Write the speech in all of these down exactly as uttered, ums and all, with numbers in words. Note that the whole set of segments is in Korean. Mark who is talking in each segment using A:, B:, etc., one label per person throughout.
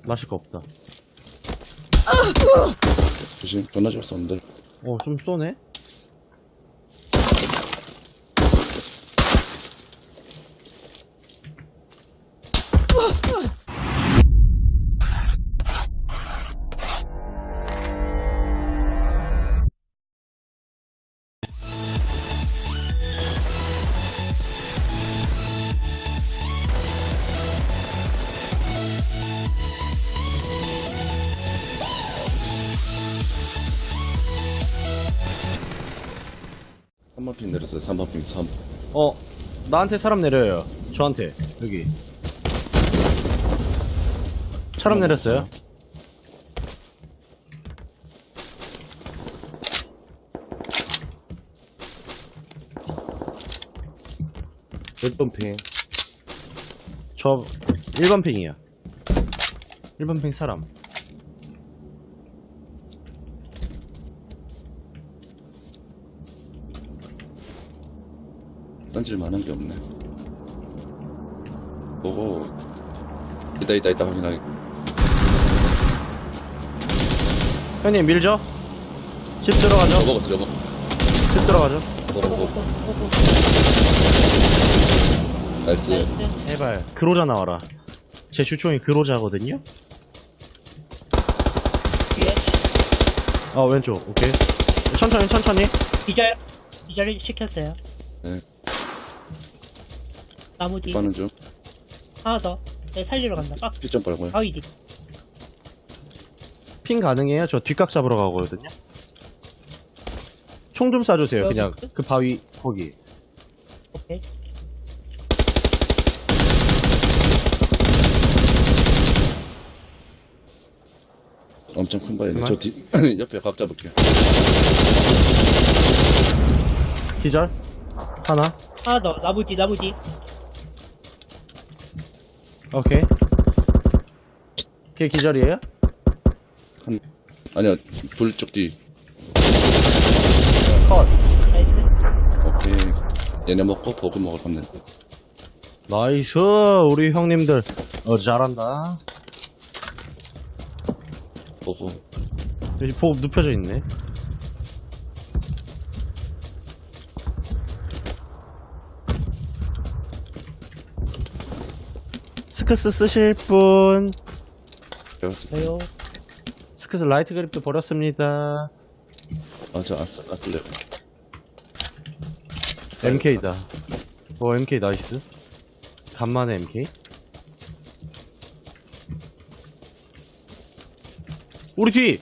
A: 마실 거 없다.
B: 조심, 존나 잘 쏘는데.
A: 어, 좀 쏘네?
B: 삼 번 핑 내렸어요, 삼 번 핑, 삼.
A: 어, 나한테 사람 내려요. 저한테. 여기. 사람 내렸어요.
C: 몇 번 핑?
A: 저 일 번 핑이야. 일 번 핑 사람.
B: 던질 만한 게 없네. 보고. 있다, 있다, 있다, 확인하게.
A: 형님 밀죠? 집 들어가죠?
B: 저거 먹었어, 저거.
A: 집 들어가죠?
B: 보고, 보고. 나이스.
D: 나이스.
A: 제발 그로자 나와라. 제 주총이 그로자거든요?
D: 뒤에
A: 아 왼쪽 오케이. 천천히 천천히.
D: 기절 기절 시켰어요.
B: 네.
D: 나무 뒤
B: 빠는 중.
D: 하나 더. 네, 살리러 간다. 빡.
B: 피 좀 빨고요.
D: 바위 뒤.
A: 핑 가능해요? 저 뒷각 잡으러 가거든요? 총 좀 쏴주세요
D: 여기
A: 그냥
D: 있어?
A: 그 바위 거기.
D: 오케이.
B: 엄청 큰 바위네.
A: 정말?
B: 저 뒤, 옆에 각 잡을게요.
A: 기절 하나.
D: 하나 더. 나무 뒤 나무 뒤.
A: 오케이. 걔 기절이에요?
B: 한, 아니야, 불 쪽 뒤.
A: 컷.
D: 나이스.
B: 오케이. 얘네 먹고 보고 먹을 건데.
A: 나이스 우리 형님들 어 잘한다.
B: 보고.
A: 여기 보급 눕혀져 있네. 스크스 쓰실 분.
B: 배웠어.
D: 저요.
A: 스크스 라이트 그립도 버렸습니다.
B: 아, 저 아싸, 아슬레.
A: 엠케이다. 오 엠케이 나이스. 간만에 엠케이. 우리 뒤!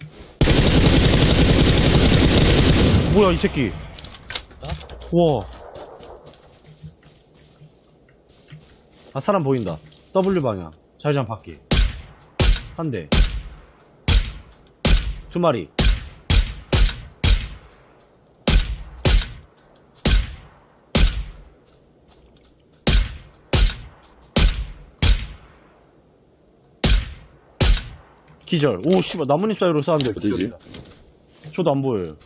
A: 뭐야 이 새끼. 우와. 아 사람 보인다. W 방향 자기장 바퀴 한 대 두 마리. 기절. 오 씨발 나뭇잎 사이로 쏘는데
B: 어디지?
A: 기절이다. 저도 안 보여요.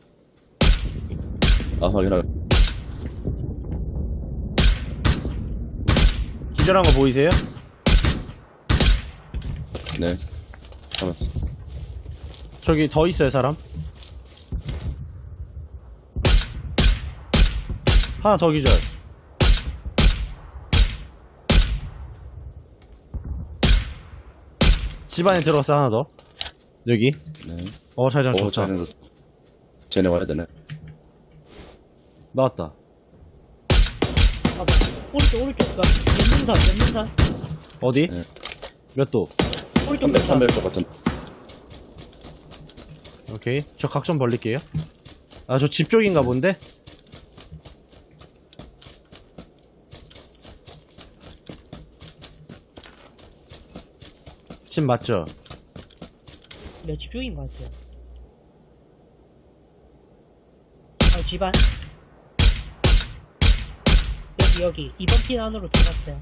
B: 아, 확인하게.
A: 기절한 거 보이세요?
B: 네. 잡았어.
A: 저기 더 있어요 사람. 하나 더 기절. 집 안에 들어갔어 하나 더. 여기.
B: 네.
A: 어 자기장
B: 오,
A: 좋다.
B: 쟤네, 쟤네 와야 되네.
A: 나왔다.
D: 아, 오른쪽 오른쪽. 그 연문산 연문산.
A: 어디?
B: 네.
A: 몇 도?
D: 오른쪽
B: 삼백,
D: 연문산.
B: 삼백 쪽 같은.
A: 오케이. 저 각 좀 벌릴게요. 아 저 집 쪽인가 본데? 집 맞죠?
D: 네, 집중인 것 같아요. 어, 집안. 여기, 여기. 이번 핀 안으로 들어갔어요.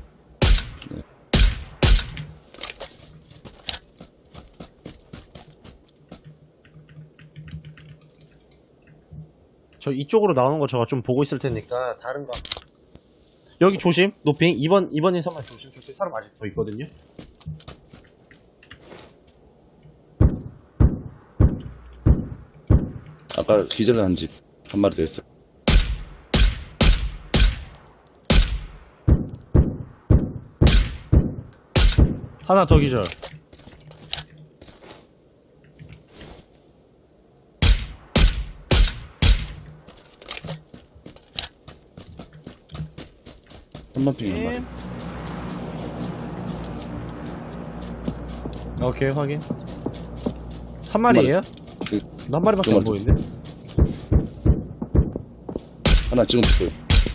A: 저 이쪽으로 나오는 거 제가 좀 보고 있을 테니까 다른 거. 여기 조심. 노핑. 이 번 이 번 인사만 조심. 저쪽에 사람 아직 더 있거든요.
B: 아까 기절한 집 한 마리 더 있어.
A: 하나 더 기절.
B: 한번 핑 한 마리.
A: 오케이, 확인. 한 마리예요?
B: 그,
A: 나 한 마리밖에
B: 두
A: 안
B: 마리.
A: 보이는데?
B: 하나 지금 보여.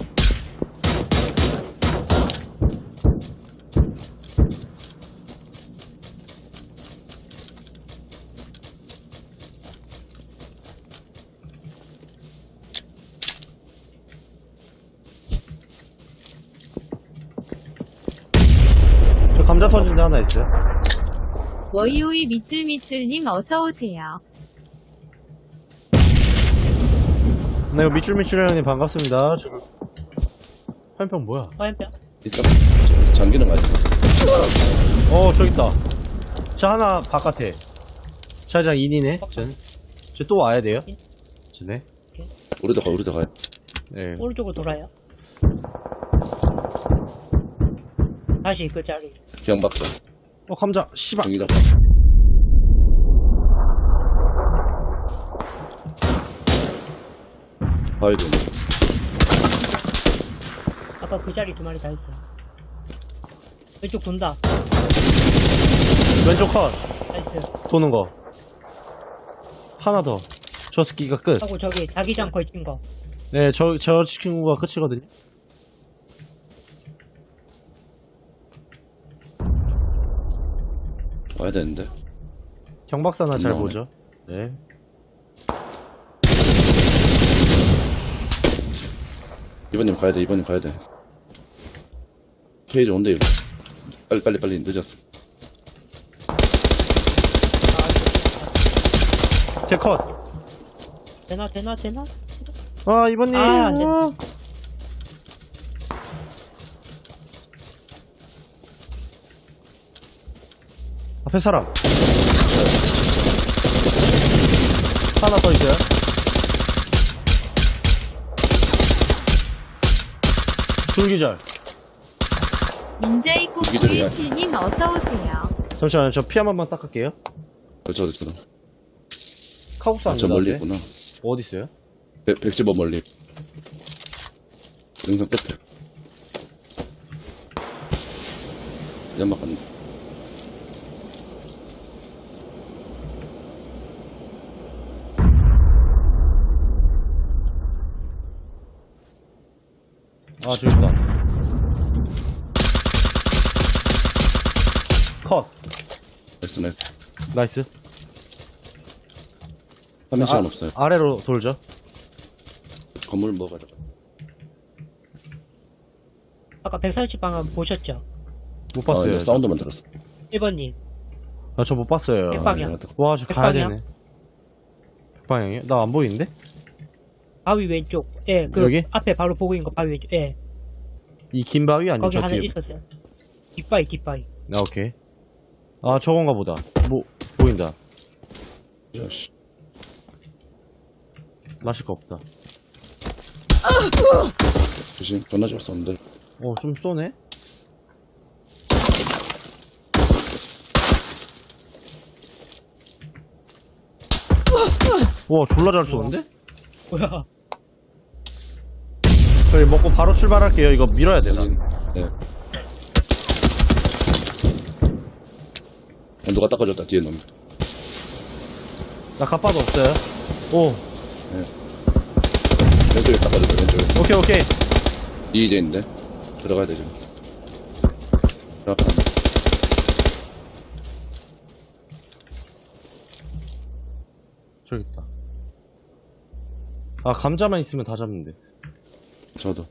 A: 저 감자 터진 데 하나 있어요.
E: 워이오이 밑줄밑줄님 어서오세요.
A: 네, 이거 밑줄밑줄 형님 반갑습니다. 저... 화염병 뭐야?
D: 화염병.
B: 있어. 잠기는 거 아니야?
A: 어, 저기 있다. 저 하나 바깥에. 차장 인이네. 전. 저 또 와야 돼요. 저네.
B: 우리도 가, 우리도 가.
A: 네.
D: 오른쪽으로 돌아요. 다시 그 자리.
B: 기왕박사.
A: 어, 감자. 씨발.
B: 정기다. 봐야 돼.
D: 아까 그 자리 두 마리 다 있어요. 왼쪽 돈다.
A: 왼쪽 컷.
D: 나이스.
A: 도는 거. 하나 더. 저 스키가 끝.
D: 하고 저기 자기장 걸친 거.
A: 네, 저, 저 친구가 끝이거든요.
B: 와야 되는데.
A: 경박사나 잘
B: 나오네.
A: 보죠. 네.
B: 이번님 가야 돼, 이번님 가야 돼. 페이지 온대, 이거. 빨리, 빨리, 빨리, 늦었어.
A: 제 컷.
D: 되나 되나 되나?
A: 아, 이번님.
D: 아, 안 됐네.
A: 아. 앞에 사람. 하나 더 있어요. 둘기절.
E: 민자이
B: 이기적이야.
E: 꾸꾸이칠님 어서오세요.
A: 잠시만요. 저 피 한 번만 닦을게요.
B: 저, 저, 저,
A: 카국사
B: 아,
A: 안
B: 저 멀리
A: 나한테.
B: 있구나.
A: 어디 있어요?
B: 백, 백십오 멀리. 능선 끝에. 연막 갔네.
A: 아, 저기 있다. 컷.
B: 나이스, 나이스.
A: 나이스.
B: 화면 시간
A: 아,
B: 없어요.
A: 아래로 돌죠.
B: 건물 뭐 가다가.
D: 아까 백삼십 방향 보셨죠?
A: 못
B: 아,
A: 봤어요.
B: 이거 사운드만 들었어.
D: 일 번님.
A: 아, 저 못 봤어요.
D: 백방향.
B: 아, 이거
A: 와, 저 가야
D: 백방향?
A: 되네. 백방향이요? 나 안 보이는데?
D: 바위 왼쪽. 예, 그
A: 여기?
D: 앞에 바로 보고 있는 거 바위 왼쪽. 예.
A: 이 긴 바위 아니면
D: 거기
A: 저
D: 하나
A: 뒤에?
D: 있었어요. 뒷바위 뒷바위.
A: 아, 오케이. 아, 저건가 보다. 뭐, 보인다.
B: 야, 씨.
A: 마실 거 없다.
B: 조심, 존나 잘 쏘는데.
A: 어, 좀 쏘네? 와, 졸라 잘 쏘는데?
D: 뭐야?
A: 저희 먹고 바로 출발할게요. 이거 밀어야 되나?
B: 네. 아, 누가 닦아줬다, 뒤에 놈.
A: 나 갑바도 없어요. 오,
B: 왼쪽에 닦아줬다, 왼쪽에.
A: 오케이, 오케이.
B: 이제 있는데. 들어가야 돼, 지금. 들어가.
A: 저기 있다. 아, 감자만 있으면 다 잡는데.
B: 저도.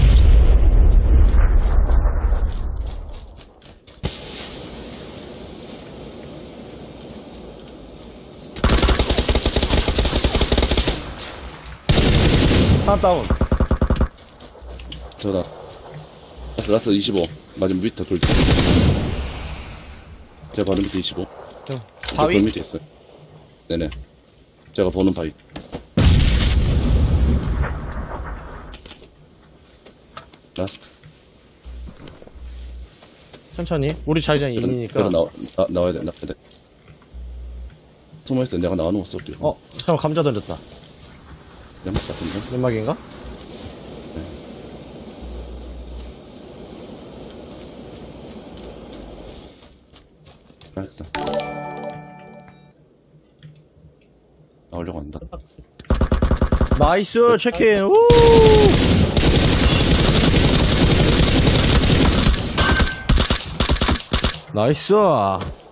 A: 하나 다운.
B: 저다. 라스, 라스 이십오. 맞으면 밑에 돌. 제가 바로 밑에 이십오.
A: 형,
B: 저
A: 바위?
B: 돌 밑에 있어요. 네네. 제가 보는 바위. 라스트.
A: 천천히. 우리 자기장
B: 그래,
A: 인이니까.
B: 그래, 나와, 나, 나와야 돼, 나와야 돼. 숨어있어. 내가 나와놓은 거 쏠게.
A: 어, 잠깐 감자 던졌다.
B: 연막 같은데?
A: 연막인가?
B: 나왔다. 나오려고 한다.
A: 나이스, 체크인. 우! 나이스.